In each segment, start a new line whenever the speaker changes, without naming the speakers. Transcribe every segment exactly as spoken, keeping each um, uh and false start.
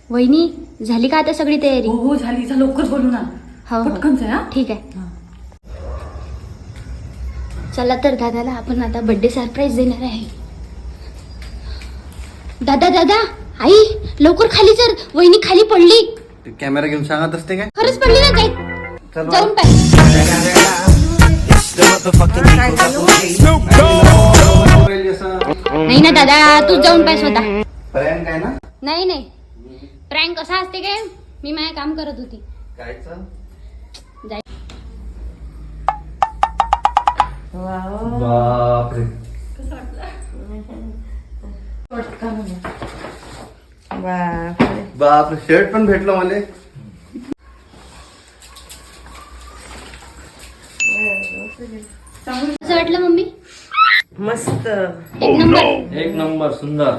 वहिनी झाली का आता सगळी तयारी?
हो हो झाली. जा लवकर बोलू ना.
हो हो.
पटकन जा.
ठीक आहे. चला तर दादाला आपण आता बर्थडे सरप्राईज देणार आहे. दादा दादा आई लवकर खाली चल, वहिनी खाली पडली.
कॅमेरा घेऊन सांगत असते काय?
खरंच पडली ना काय?
चल
जाऊन पाय. नाही ना दादा तू जाऊन पाय स्वतः.
प्रँक आहे ना?
नाही नाही प्रँक कसा असते काय? मी माझे काम करत होती.
कायचं?
जाय.
बापरे. बापरे शर्ट पण भेटलं मला.
कसं वाटलं मम्मी?
मस्त.
एक नंबर.
एक नंबर सुंदर.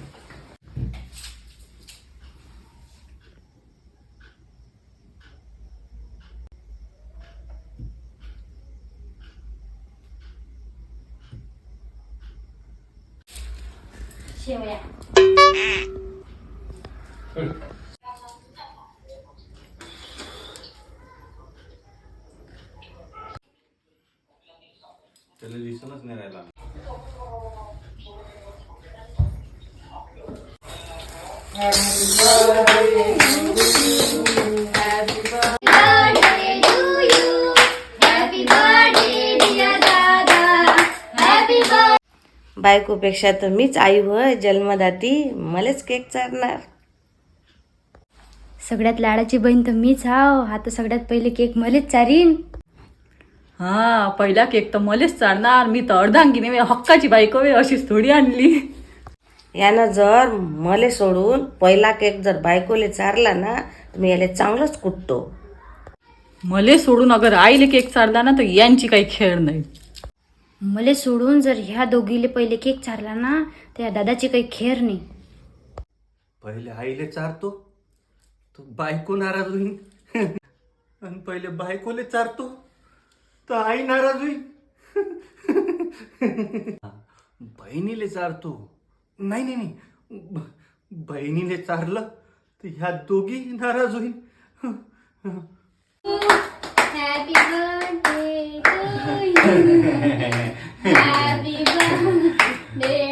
शेवया.
त्याला दिसूनच नाही राहिला.
बायकोपेक्षा तर मीच आई होय जन्मदाती. मलाच केक चारणार.
सगळ्यात लाडाची बहीण तर मीच हाव. हा तर सगळ्यात पहिले केक मलेच चारीन.
हा पहिला केक तर मलेच चालणार. मी तर अर्धांगिनी हक्काची बायको आहे अशीच थोडी आणली.
यानं जर मले सोडून पहिला केक जर बायकोले चारला ना तर मी याला चांगलंच कुटतो.
मले सोडून अगर आईले केक चालला ना तर यांची काही खेळ नाही.
मले सोडून जर ह्या दोघीले पहिले केक चारला ना तर या दादाची काही खेर नाही.
पहिले आईले चारतो तो बायको नाराज होईल. आणि पहिले बायकोले चारतो तर आई नाराज होईल. बहिणीले चारतो. नाही नाही नाही ब- बहिणीले चारलं तर ह्या दोघी नाराज होईल.
Happy birthday to you. Happy birthday.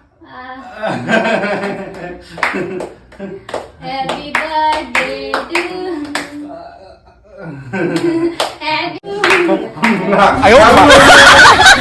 Happy birthday to. Happy